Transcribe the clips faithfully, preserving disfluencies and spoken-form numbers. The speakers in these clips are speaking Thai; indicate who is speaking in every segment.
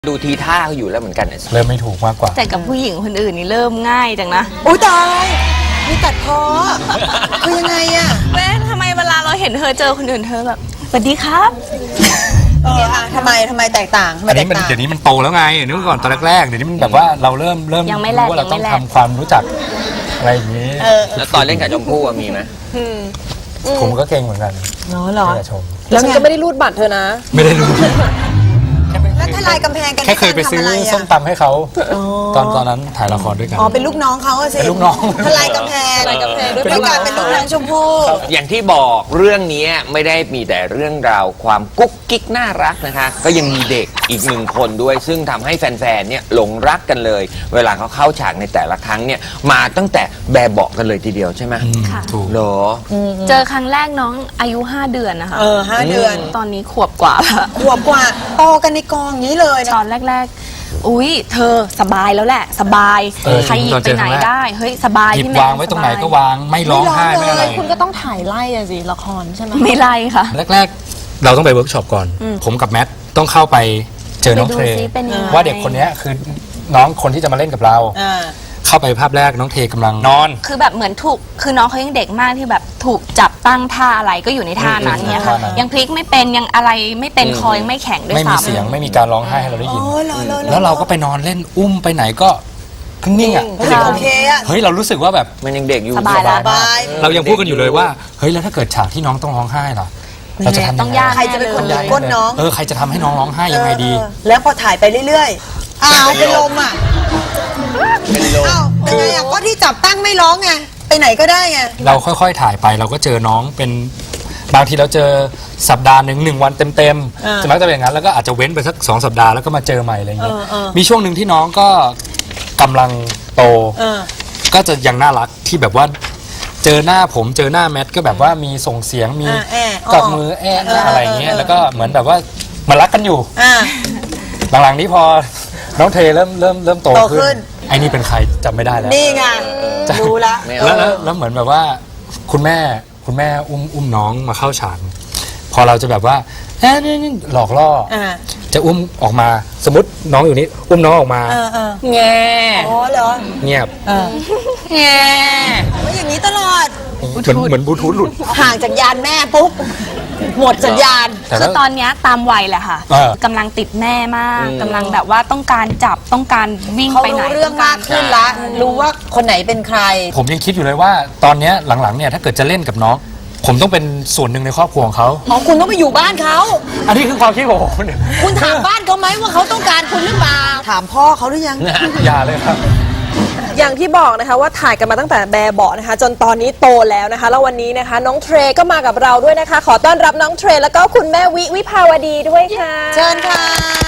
Speaker 1: ดูทีท่าเขาอยู่แล้วเหมือนกันเนี่ย
Speaker 2: เริ่มไม่ถูกมากกว่า
Speaker 3: แต่กับผู้หญิงคนอื่นนี่เริ่มง่ายจังนะ
Speaker 4: อุ้ยตายมีตัดคอคือยังไงอะ
Speaker 3: แม่ทำไมเวลาเราเห็นเธอเจอคนอื่นเธอแบบสวัสดีครับ
Speaker 4: เอออะทำไมทำไมแตกต่าง
Speaker 2: อันนี้มันเดี๋ยวนี้มันโตแล้วไงเดี๋ยวนี้ก่อนตอนแรกๆเดี๋ยวนี้มันแบบว่าเราเริ่มเริ่มรู้ว่าเราต้องทำความรู้จักอะไรอย่างนี้
Speaker 1: แล้วตอนเล่นกับชมพู่มีไหม
Speaker 2: ผมก็เก่งเหมือนกัน
Speaker 4: เนาะหรอ
Speaker 2: ชม
Speaker 5: แล้วฉันก็ไม่ได้รูดบัตรเธอนะ
Speaker 2: ไม่ได้รูด
Speaker 4: แล้วทลายกำแพงกัน
Speaker 2: แค่เคยไปซื้อส้มตำให้เขาตอนตอนนั้นถ่ายละครด้วยกัน
Speaker 4: อ๋อเป็นลูกน้องเขาสิ
Speaker 2: เป็นลูกน้อง
Speaker 4: ทลายกำแพงทลายกำแพงด้วยการเป็นลูกน้องชมพู่
Speaker 1: อย่างที่บอกเรื่องนี้ไม่ได้มีแต่เรื่องราวความกุ๊กกิ๊กน่ารักนะคะก็ยังมีเด็กอีกหนึ่งคนด้วยซึ่งทำให้แฟนๆเนี่ยหลงรักกันเลยเวลาเขาเข้าฉากในแต่ละครั้งเนี่ยมาตั้งแต่แบบเบาะกันเลยทีเดียวใช่ไหม
Speaker 2: ถูก
Speaker 1: เหรอ
Speaker 3: เจอครั้งแรกน้องอายุห้าเดือนนะคะ
Speaker 4: เออห้าเดือน
Speaker 3: ตอนนี้ขวบกว่า
Speaker 4: ขวบกว่าโตกันในกองนี้เลย
Speaker 3: ตอนแรกๆอุ้ยเธอสบายแล้วแหละสบายใครหยิบไปไหนได้เฮ้ยสบาย
Speaker 2: ที่แม่วางไว้ตรงไหนก็วางไม่ร้องไห้ไม่อะไร
Speaker 5: คุณก็ต้องถ่ายไล่อะสิละครใช่ไหม
Speaker 3: ไม่ไล่ค่ะ
Speaker 2: แรกๆเราต้องไปเวิร์กช็อปก่อนผมกับแมทต้องเข้าไปเจอน้องเทว่าเด็กคนนี้คือน้องคนที่จะมาเล่นกับเราเข้าไปภาพแรกน้องเทกำลังนอน
Speaker 3: คือแบบเหมือนถูกคือน้องเขายังเด็กมากที่แบบถูกจับตั้งท่าอะไรก็อยู่ในท่านั้นเนี่ยค่ะยังพลิกไม่เป็นยังอะไรไม่เป็นคอยังไม่แข็งด้วยซ้ำ
Speaker 2: ไม่มีเสียงไม่มีการร้องไห้ให้เราได้ยินแล้วเราก็ไปนอนเล่นอุ้มไปไหนก็นิ่งอ่ะ
Speaker 4: โอเคอ่ะ
Speaker 2: เฮ้ยเรารู้สึกว่าแบบ
Speaker 1: มันยังเด็กอยู่
Speaker 3: สบายแล้ว
Speaker 2: เรายังพูดกันอยู่เลยว่าเฮ้ยแล้วถ้าเกิดฉากที่น้องต้องร้องไห้ล่ะเราจะทำยังไง
Speaker 4: ใครจะเป็นคนหยิบก้นน้อง
Speaker 2: เออใครจะทำให้น้องร้องไห้ยังไงดี
Speaker 4: แล้วพอถ่ายไปเรื่อยๆอ้าวเป็นลมอ่ะ
Speaker 1: เป็นลม
Speaker 4: อ้าวเป็นไงอ่ะก็ที่จับตั้งไม่ร้องไงไปไหนก็ได้ไง
Speaker 2: เราค่อยๆถ่ายไปเราก็เจอน้องเป็นบางทีเราเจอสัปดาห์หนึ่งหนึ่งวันเต็มๆจะมักจะเป็นอย่างนั้นแล้วก็อาจจะเว้นไปสักสองสัปดาห์แล้วก็มาเจอใหม่อะไรอย่างเงี้ยมีช่วงหนึ่งที่น้องก็กำลังโตก็จะยังน่ารักที่แบบว่าเจอหน้าผมเจอหน้าแมทก็แบบว่ามีส่งเสียงมีกอดมือแอะอะไรเงี้ยแล้วก็เหมือนแบบว่ามารักกันอยู่หลังๆนี้พอน้องเทเริ่มเริ่มเริ่มโตขึ้นไอ้นี่เป็นใครจำไม่ได้แล้ว
Speaker 4: นี่ไงรู้ละ
Speaker 2: แล้วแล้วเหมือนแบบว่าคุณแม่คุณแม่อุ้มอุ้มน้องมาเข้าฉากพอเราจะแบบว่าเอ๊ะนี่หลอกล่อจะอุ้มออกมาสมมติน้องอยู่นี่อุ้มน้องออกมา
Speaker 3: แง่
Speaker 4: อ๋อเหรอ
Speaker 2: เงียบ
Speaker 3: แง่
Speaker 4: ว่าอย่างนี้ตลอด
Speaker 2: เหมือนเหมือนบลูทูธหลุด
Speaker 4: ห่างจากยานแม่ปุ๊บหมดสัญญาณ
Speaker 3: คือตอนนี้ตามวัยแหละค่ะกำลังติดแม่มากกำลังแบบว่าต้องการจับต้องการวิ่งไปไหน
Speaker 4: เรื่องมากขึ้นละรู้ว่าคนไหนเป็นใคร
Speaker 2: ผมยังคิดอยู่เลยว่าตอนนี้หลังๆเนี่ยถ้าเกิดจะเล่นกับน้องผมต้องเป็นส่วนหนึ่งในครอบครัวของเขา
Speaker 4: อ๋อคุณต้องไปอยู่บ้านเขา
Speaker 2: อันนี้คือความคิดของผม
Speaker 4: คุณถามบ้านเขาไหมว่าเขาต้องการคุณหรือเปล่าถามพ่อเขาหรือยัง
Speaker 2: อย่าเลยครับ
Speaker 5: อย่างที่บอกนะคะว่าถ่ายกันมาตั้งแต่แบบเบาะนะคะจนตอนนี้โตแล้วนะคะแล้ววันนี้นะคะน้องเทรก็มากับเราด้วยนะคะขอต้อนรับน้องเทรแล้วก็คุณแม่วิวิภาวดีด้วยค่ะ
Speaker 4: เชิญค่ะ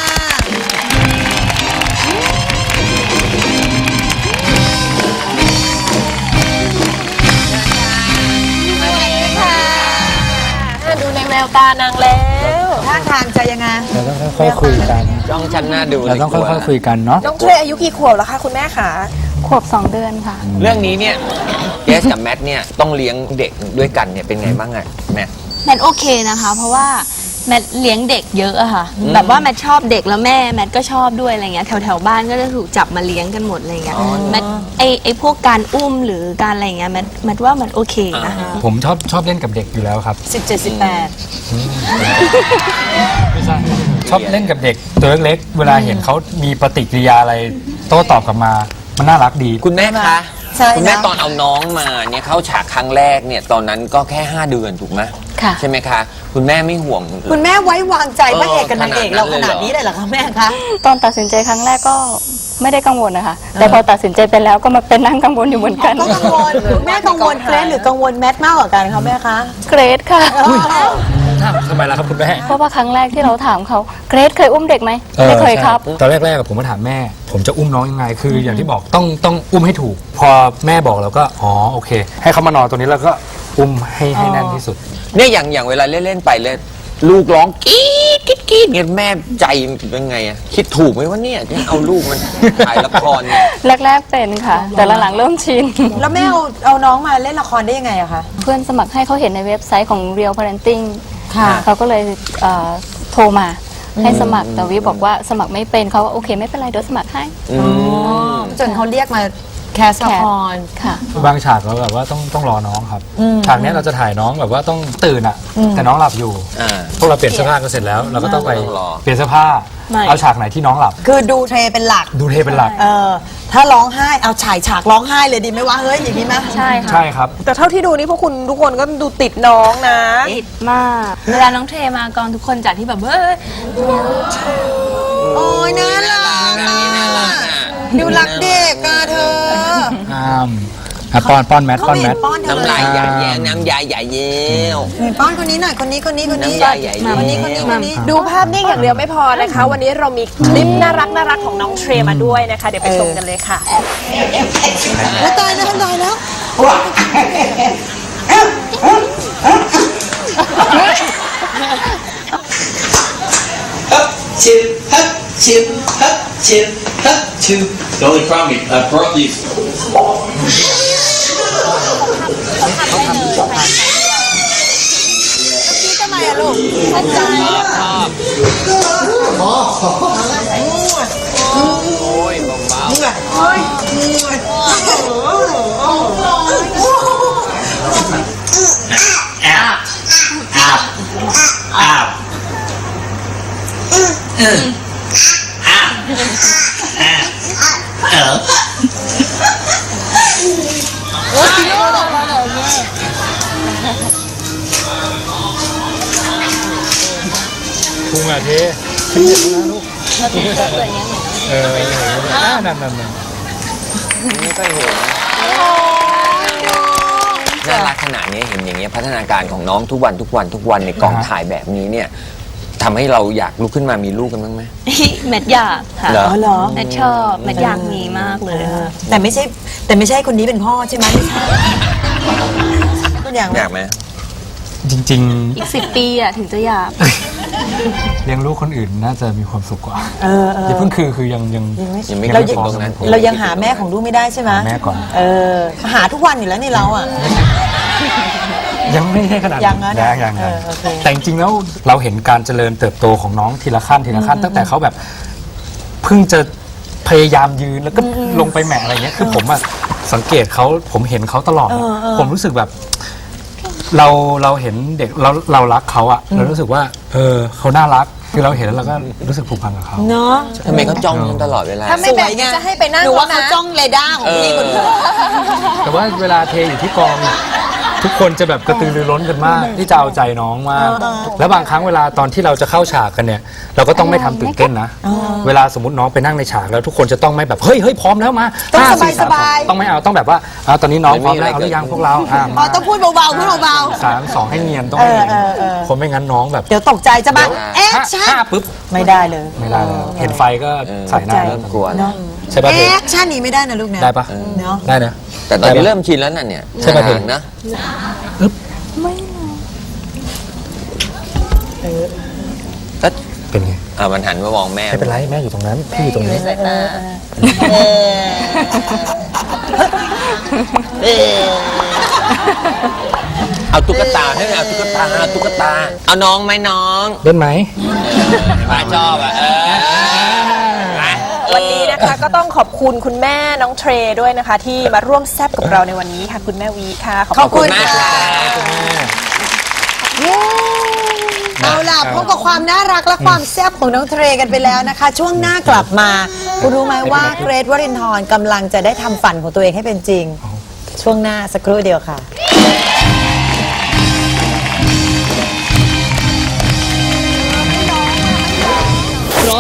Speaker 5: ดูในแววตานางแล้ว
Speaker 4: ท่าทางจะยังไง
Speaker 2: เราต้องค่อยๆคุยกัน
Speaker 1: จ้องฉันหน้าดู
Speaker 2: เราต้องค่อยๆคุยกันเนาะ
Speaker 5: น้องเทรอายุกี่ขวบแล้วคะคุณแม่คะ
Speaker 3: ขวบสองเดือนค่ะ
Speaker 1: เรื่องนี้เนี่ยเจสกับแมทเนี่ยต้องเลี้ยงเด็กด้วยกันเนี่ยเป็นไงบ้างไงแมท
Speaker 3: แมทโอเคนะคะเพราะว่าแมทเลี้ยงเด็กเยอะอะค่ะแบบว่าแมทชอบเด็กแล้วแม่แมทก็ชอบด้วยอะไรเงี้ยแถวแถวบ้านก็จะถูกจับมาเลี้ยงกันหมดอะไรเงี้ยแมทไอไอพวกการอุ้มหรือการอะไรเงี้ยแมทแมทว่ามันโอเคนะ
Speaker 2: ผมชอบชอบเล่นกับเด็กอยู่แล้วครับ
Speaker 4: สิบเจ็ดสิบแปด
Speaker 2: ไม่ใช่ชอบเล่นกับเด็กตัวเล็กๆเวลาเห็นเขามีปฏิกิริยาอะไรโต้ตอบกลับมามันน่ารักดี
Speaker 1: คุณแม่คะคุณแม่ตอนเอาน้องมาเนี่ยเข้าฉากครั้งแรกเนี่ยตอนนั้นก็แค่ห้าเดือนถูกไหมใช่ไหมคะคุณแม่ไม่ห่วง
Speaker 4: คุณแม่ไว้วางใจพระเอกกับนางเอกเราขนาดนี้เลยเหรอคะแม่คะ
Speaker 6: ตอนตัดสินใจครั้งแรกก็ไม่ได้กังวลนะคะแต่พอตัดสินใจไปแล้วก็มาเป็นนั่งกังวลอยู่เหมือนกัน
Speaker 4: ก็กังวลแม่กังวลเกรซหรือกังวลแมทมากกว่ากันคะแม่คะ
Speaker 6: เกรซค่ะ
Speaker 2: ทำไมล่ะครับคุณแม่
Speaker 6: เพราะว่าครั้งแรกที่เราถามเขาเกรซเคยอุ้มเด็กไหมไม่เคยครับ
Speaker 2: ตอนแรกๆผมมาถามแม่ผมจะอุ้มน้องยังไงคืออย่างที่บอกต้องต้องอุ้มให้ถูกพอแม่บอกเราก็อ๋อโอเคให้เขามานอนตรงนี้แล้วก็อุ้มให้ให้แน่นที่สุด
Speaker 1: เนี่ยอย่างอย่างเวลาเล่นๆไปเลยลูกร้องกรี๊ดกรี๊ดกรี๊ดเนี่ยแม่ใจเป็นไงอะคิดถูกไหมว่าเนี่ยที่เอาลูกมันถ่ายละครเนี่ย
Speaker 6: แรกๆเป็นค่ะแต่หลังๆเริ่มชิน
Speaker 4: แล้วแม่เอาเอาน้องมาเล่นละครได้ยังไงอะคะ
Speaker 6: เพื่อนสมัครให้เขาเห็นในเว็บไซต์ของ Real Parenting เขาก็เลยโทรมาให้สมัครแต่วิบอกว่าสมัครไม่เป็นเขาว่าโอเคไม่เป็นไรเดี๋ยวสมัครให้
Speaker 4: จนเขาเรียกมาแคสละคร
Speaker 6: ค่ะ
Speaker 2: บางฉากเราแบบว่าต้องต้องรอน้องครับฉากเนี้ยเราจะถ่ายน้องแบบว่าต้องตื่นอ่ะ แต่น้องหลับอยู่
Speaker 1: อ่า
Speaker 2: พวกเราเปลี่ยนเสื้อผ้ากันเสร็จแล้ว เราก็ต้องไป
Speaker 1: ต้องรอ
Speaker 2: เปลี่ยนเสื้อผ้า
Speaker 3: ไม่
Speaker 2: เอาฉากไหนที่น้องหลับ
Speaker 4: คือดูเทรเป็นหลัก
Speaker 2: ดูเทเป็นหลัก
Speaker 4: เออ ถ้าร้องไห้เอาฉายฉากร้องไห้เลยดีไหมวะเฮ้ยอย่างนี้ไหม
Speaker 3: ใช่ค่ะ
Speaker 2: ใช่ครับ
Speaker 5: แต่เท่าที่ดูนี่พวกคุณทุกคนก็ดูติดน้องนะ
Speaker 3: ติดมาก เวลาน้องเทมากองทุกคนจากที่แบบเฮ้ย
Speaker 4: โอ้ยน่ารัก
Speaker 1: น่ารักน่ารักอ่ะ
Speaker 4: ดูรักเด็กอะเธอ
Speaker 2: อ้ามอ่ะป้อนป้อนแมท
Speaker 4: เขา
Speaker 2: ป้อน
Speaker 4: ไม่
Speaker 2: แม
Speaker 4: เห็
Speaker 2: ท
Speaker 4: นป้อนเธอ
Speaker 1: น้ำ
Speaker 4: เล
Speaker 1: ลาย
Speaker 4: ย
Speaker 1: ใหญ่แย้น้ำยายใหญ่เย้ว
Speaker 4: เห็นป้อนคนนี้หน่อยคนนี้คนนี้คนนี้
Speaker 1: น้ำลายใหญ่เย้ว
Speaker 4: คนนี้คนนี้คนนี้
Speaker 5: ดูภาพนิ่งอย่างเดียวไม่พอนะคะ วันนี้เรามีคลิปน่ารักน่ารักของน้องเทรมาด้วยนะคะ เดี๋ยวไปชมกันเลยค่ะ
Speaker 4: โอ้ตายแล้วตายแล้ว
Speaker 7: Chip, hut, chip, hut, chip, hut, two. The only problem is I brought these.
Speaker 4: ทำไมอะลูก
Speaker 1: โอ้ยเบา
Speaker 2: พุงอ่ะเทขึ้นเยอะนะลูกเออนั่นนั่นนั่น
Speaker 1: ๆนี่ก็เห็นน่ารักขนาดนี้เห็นอย่างเงี้ยพัฒนาการของน้องทุกวันทุกวันทุกวันในกองถ่ายแบบนี้เนี่ยทำให้เราอยากลุกขึ้นมามีลูกกันบ้างไหม
Speaker 3: แมทอยากค่ะ
Speaker 1: เหรอ
Speaker 4: อ๋อเหรอ
Speaker 3: แมทชอบแมทอยากมีมากเลยค่ะ
Speaker 4: แต่ไม่ใช่แต่ไม่ใช่คนนี้เป็นพ่อใช่ไหมไม่ใช่ตัวอย่าง
Speaker 1: อยากไหม
Speaker 2: จริง
Speaker 3: อีกสิบปีอ่ะถึงจะอยาก
Speaker 2: ๆ เลี้ยงลูกคนอื่นน่าจะมีความสุขกว่า
Speaker 4: เออเออ
Speaker 2: อย่าเพิ่งคือคือยังยัง
Speaker 1: ยังไม่
Speaker 2: เรา
Speaker 1: ถึงตรงนั้น
Speaker 4: เรายังหาแม่ของลูกไม่ได้ใช่ไหม
Speaker 2: หาแม่ก่อน
Speaker 4: เออหาทุกวันอยู่แล้วนี่เราอ่ะ
Speaker 2: ยังไม่ใช่ขนาด
Speaker 4: ยังนะ
Speaker 2: ยังยัง
Speaker 4: เอ
Speaker 2: ยัง
Speaker 4: อโอเค
Speaker 2: แต่จริงๆแล้วเราเห็นการเจริญเติบโตของน้องทีละขั้นทีละขั้นตั้งแต่เขาแบบเพิ่งจะพยายามยืนแล้วก็ลงไปแหมะอะไรเงี้ยคือผมอะสังเกตเขาผมเห็นเขาตลอดอะผมรู้สึกแบบ เราเราเห็นเด็กเราเรารักเขาอะเรารู้สึกว่า เออเขาน่ารักคือเราเห็นแล้วเราก็รู้สึกผูกพันกับเขา
Speaker 4: เนาะ
Speaker 1: ทำไมเขาจ้องฉันตลอดเวลา
Speaker 5: ถ้าไม่แบบนี้จะให้ไปนั่ง
Speaker 4: หนูว่า
Speaker 5: แล้วนะ
Speaker 4: เขาจ้องเรดาร์ของพี่คนเดียว
Speaker 2: แต่ว่าเวลาเทอยู่ที่กองทุกคนจะแบบกระตือรือร้นกันมาก ที่จะเอาใจน้องมาก แล้วบางครั้งเวลาตอนที่เราจะเข้าฉากกันเนี่ย เราก็ต้องไม่ทำตื่นเต้นนะ เวลาสมมติน้องไปนั่งในฉากแล้วทุกคนจะต้องไม่แบบเฮ้ยเฮ้ยพร้อมแล้วมา
Speaker 4: ต้อง
Speaker 2: ห้สี่
Speaker 4: สบายๆ
Speaker 2: ต้องไม่เอาต้องแบบว่าเอาตอนนี้น้องพร้อมแล้วเอาหรือยังพวกเราอ่ะ
Speaker 4: อ๋อ
Speaker 2: มา
Speaker 4: ต้องพูดเบาๆพูดเบา
Speaker 2: สามสองให้เนียนต้องให้เนียน
Speaker 4: เออเออเออ
Speaker 2: คนไม่งั้นน้องแบบ
Speaker 4: ๆเดี๋ยวตกใจจะมาแอค
Speaker 2: ห้า
Speaker 4: ชั่น
Speaker 2: ห้าปุ๊บ
Speaker 4: ไม่ได้เลย
Speaker 2: ไม่ได้แล้วเห็นไฟก็
Speaker 1: เออ
Speaker 2: ใส่หน้า
Speaker 1: เริ่มกลัว
Speaker 4: เนาะ
Speaker 2: ใช่ป่ะ
Speaker 4: แอ
Speaker 2: เธอ
Speaker 4: คชั่นนี้ไม่ได้นะลูกนะ
Speaker 2: ได้ปะ
Speaker 4: เนาะ
Speaker 2: ได้นะ
Speaker 1: แต่ตอนนี้เริ่มชินแล้วน่ะเนี่ย
Speaker 2: ใช่ไหมเธอ
Speaker 1: ห่างๆนะ ก็
Speaker 2: เป็นไง
Speaker 1: อ่ามันหันมามองแม่
Speaker 2: ไม่เป็นไรแม่อยู่ตรงนั้นพี่อยู่ตรงนี้
Speaker 1: เอาตุ๊กตาให้เอาตุ๊กตาเอาตุ๊กตา เอาน้องไหมน้อง
Speaker 2: เล่นไหม
Speaker 1: ป้าชอบอ่ะเออไป
Speaker 5: วันนี้นะคะก็ต้องขอบคุณคุณแม่น้องเทรด้วยนะคะ ที่มาร่วมแซบกับเราในวันนี้ค่ะ คุณแม่วีค่ะ
Speaker 4: ขอบคุณ
Speaker 1: มากค่ะ
Speaker 4: เอาล่ะพบกับความน่ารักและความแซ่บของน้องเทรกันไปแล้วนะคะ ช่วงหน้ากลับมาคุณรู้ไหมว่าเกรทวรินทร์กำลังจะได้ทำฝันของตัวเองให้เป็นจริง ช่วงหน้าสักครู่เดียวค่ะ